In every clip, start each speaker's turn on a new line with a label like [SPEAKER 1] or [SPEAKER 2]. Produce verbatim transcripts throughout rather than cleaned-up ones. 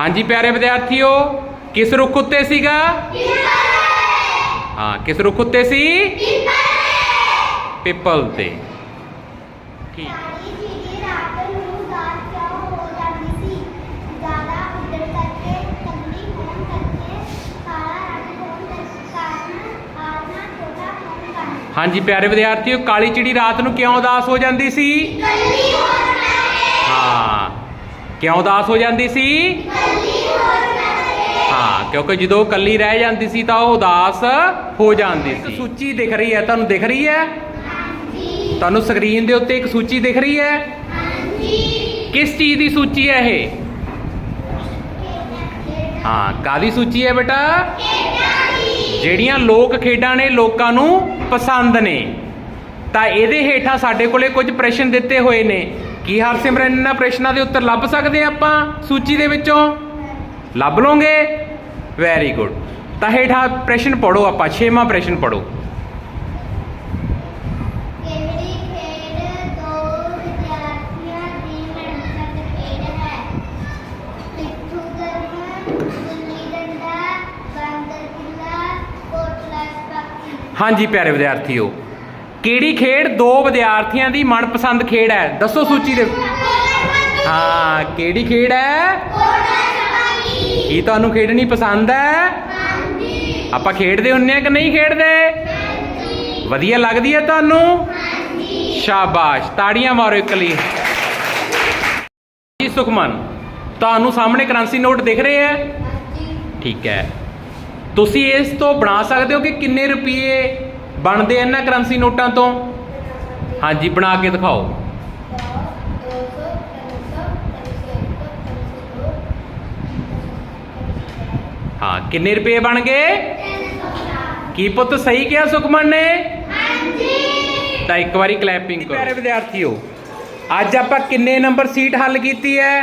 [SPEAKER 1] हाँ जी प्यारे विद्यार्थियों, किस रुख उत्ते सीगा? हाँ, किस रुख उत्ते सी? पिपल ते। ठीक। हाँ जी प्यारे विद्यार्थियों, काली चिड़ी रात नूं क्यों उदास हो जाती सी? हाँ, क्यों उदास हो जाती सी? हाँ, क्योंकि जो कली रह जाती सी तो उदास हो जाती सी। सूची दिख रही है, तुहानूं दिख रही है? तुहानूं स्क्रीन दे उत्ते एक सूची दिख रही है? किस चीज़ की सूची है ये? हाँ, कादी सूची है बेटा? ਜਿਹੜੀਆਂ ਲੋਕ ਖੇਡਾਂ ਨੇ ਲੋਕਾਂ ਨੂੰ ਪਸੰਦ ਨੇ। ਤਾਂ ਇਹਦੇ ਹੇਠਾਂ ਸਾਡੇ ਕੋਲੇ ਕੁਝ ਪ੍ਰਸ਼ਨ ਦਿੱਤੇ ਹੋਏ ਨੇ। ਕੀ ਹਰਸਿਮਰਨ ਇਹਨਾਂ ਪ੍ਰਸ਼ਨਾਂ ਦੇ ਉੱਤਰ ਲੱਭ ਸਕਦੇ ਆਪਾਂ ਸੂਚੀ ਦੇ ਵਿੱਚੋਂ? ਲੱਭ ਲਓਗੇ? Very good. ਤਾਂ ਹੇਠਾਂ ਪ੍ਰਸ਼ਨ ਪੜੋ, ਆਪਾਂ ਛੇਵਾਂ ਪ੍ਰਸ਼ਨ ਪੜੋ। हाँ जी प्यारे विद्यार्थियों, केड़ी खेड दो विद्यार्थियों की मनपसंद खेड है? दसो सूची दे। हाँ, केड़ी खेड है? की तुहानूं खेडनी पसंद है? आपां खेडदे हुन्ने कि नहीं खेडदे? वधिया लगदी है तुहानूं? शाबाश, ताड़ियां मारो एक लिए। जी सुखमन, तुहानूं सामने करंसी नोट दिख रहे हैं? ठीक है। तुसी इस तो बना सकते हो कि किन्ने रुपये बनते हैं इन्हां करंसी नोटां तो? हाँ जी, बना के दिखाओ। हाँ, किन्ने रुपये बन गए? की पुत सही किया सुखमन ने? तो एक बारी क्लैपिंग करो। प्यारे विद्यार्थियों, अज आपां किन्ने नंबर सीट हल की है?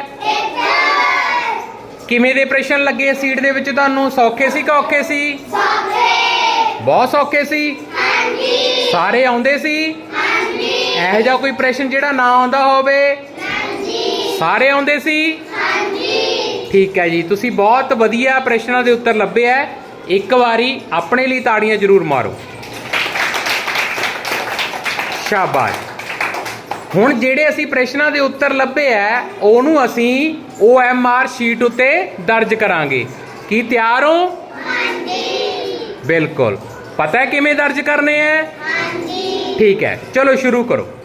[SPEAKER 1] किवें दे प्रश्न लगे सीट दे विच तुहानूं? सौखे सी कि औखे सी? बहुत सौखे सी? सारे आउंदे सी? इहो जिहा कोई प्रश्न जिहड़ा ना आउंदा होवे? सारे आउंदे सी? ठीक है जी, तुसीं बहुत वधिया प्रश्नां दे उत्तर लभे है। एक बारी अपने लिए ताड़ियां जरूर मारो। शाबाश। ਹੁਣ ਜਿਹੜੇ ਅਸੀਂ ਪ੍ਰਸ਼ਨਾਂ ਦੇ ਉੱਤਰ ਲੱਭੇ ਆ ਉਹਨੂੰ ਅਸੀਂ O M R ਸ਼ੀਟ ਉੱਤੇ ਦਰਜ ਕਰਾਂਗੇ। ਕੀ ਤਿਆਰ ਹੋ? ਹਾਂਜੀ। ਬਿਲਕੁਲ। ਪਤਾ ਹੈ ਕਿਵੇਂ ਦਰਜ ਕਰਨੇ ਹੈ? ਹਾਂਜੀ। ਠੀਕ ਹੈ, ਚਲੋ ਸ਼ੁਰੂ ਕਰੋ।